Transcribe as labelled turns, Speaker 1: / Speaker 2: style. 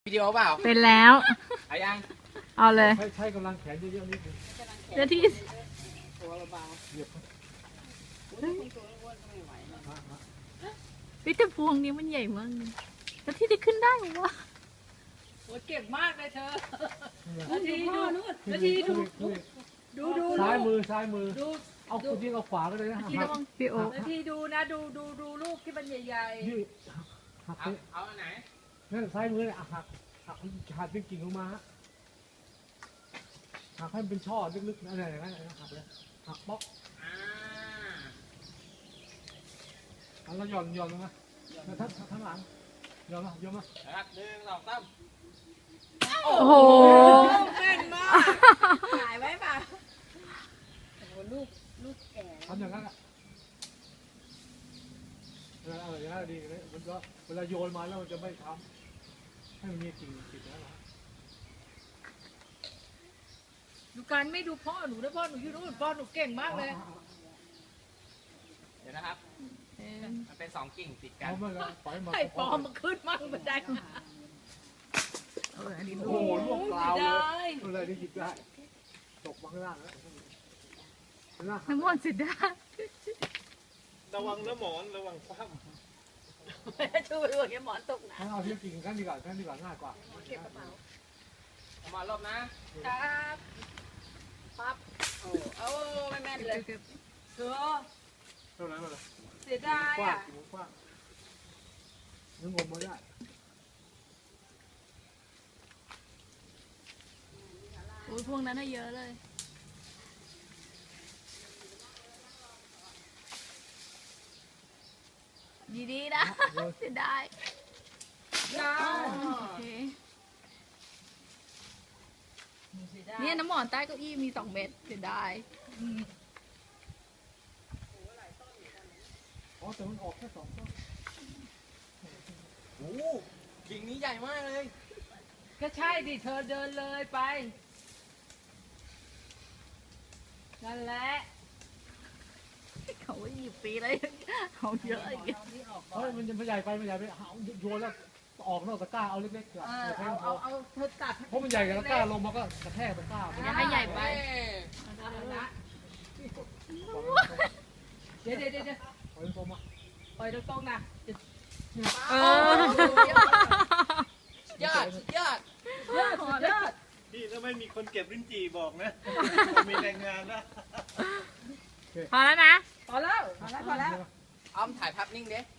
Speaker 1: วิดีโอเปล่า
Speaker 2: เป็นแล้ว
Speaker 1: เอายัง
Speaker 2: เอาเลย
Speaker 3: ใช้กำลังแขนเยอะๆนิดนึง
Speaker 2: เดี๋ยวที่วิตาพวงนี้มันใหญ่มากแล้วที่ได้ขึ้นได้หรอวะ
Speaker 4: โอ้เก่งมากเลยเธอนาทีดูนาทีดู
Speaker 3: ซ้ายมือดูเอาคุณยิงเอาขวาก็เลยนะ
Speaker 2: พี่โอ
Speaker 4: นาทีดูนะดูลูกที่มันใหญ่
Speaker 3: ๆหัก
Speaker 1: เอาไหน
Speaker 3: นั่นซ้ายมือหักเป็นกิ่งลงมาหักให้มันเป็นช่อลึกๆอะไรอย่างนั้นหักเลยหักป๊อกแล้วหย่อนลงมาทั้งหลังหย่อนมา
Speaker 1: ครับ1 2 3
Speaker 2: โอ้โห
Speaker 4: แม่นมากถ่ายไว้ป่ะโอ้โหลูกแก่
Speaker 3: ทำอย่างนั้นอะไรอย่างนั้นดีเลยมันก็เวลาโยนมาแล้วมันจะไม่ทำให้มันมีกิ่งติดแล้วนะ
Speaker 4: ดูการไม่ดูพ่อหนูนะพ่อหนูอยู่นู่นพ่อหนูเก่งมากเลย
Speaker 1: เดี๋ยวนะครับมันเป็น2 กิ่งติดกัน
Speaker 4: ไอ้ปอมมันขึ้นมากมันได้
Speaker 3: โอ้โหลูกเปล่าเลยอะไรนี่หยิบได้ตกมาข้างล่างแล้ว
Speaker 2: น้ำมันสิได้
Speaker 5: ระวังนะหมอนระวังคว่
Speaker 4: ำช่วยด้วยหมอนตกนะ
Speaker 3: เอาที่กิ่งกันดีกว่าง่ายกว่า
Speaker 4: เก็บกระเป๋า
Speaker 1: เอามารอบ
Speaker 4: นะครับปั๊บโอ้ไม่แม่นเลยเธอ
Speaker 3: เท่านั้นเลย
Speaker 4: เสียดายอ่ะ
Speaker 3: นึกงมมาได้
Speaker 2: โอ้ยพวกนั้นน่ะเยอะเลยดีๆนะเสียดายโอเคเนี่ยน้ำหมอนใต้เก้าอี้มี2 เม็ดเสียดาย
Speaker 3: แต่มันออกแค่2 ต้น
Speaker 1: โอ้กิ่งนี้ใหญ่มากเลย
Speaker 4: ก็ใช่ดิเธอเดินเลยไปนั่นแหละ
Speaker 2: เขาหยิบปีเลยเขาเยอะอย่างเงี้ย
Speaker 3: มันจะไม่ใหญ่ไปโยนแล้วออกนอกตะกร้าเอาเล็กๆก่อน
Speaker 4: เอาเธอตัด
Speaker 3: เพราะมันใหญ่กับตะกร้าลงมาก็กระแทกตะกร้า
Speaker 2: อย่าให้ใหญ่ไป
Speaker 4: เดี๋ยว
Speaker 3: ปล่อยตรงมา
Speaker 4: ปล่อยตรงๆนะ
Speaker 1: ยอด
Speaker 5: พี่ถ้าไม่มีคนเก็บลิ้นจี่บอกนะมีแรงงานนะ
Speaker 2: พอแล้วนะ
Speaker 4: พอแล้ว
Speaker 1: อ้อมถ่ายภาพนิ่งดิ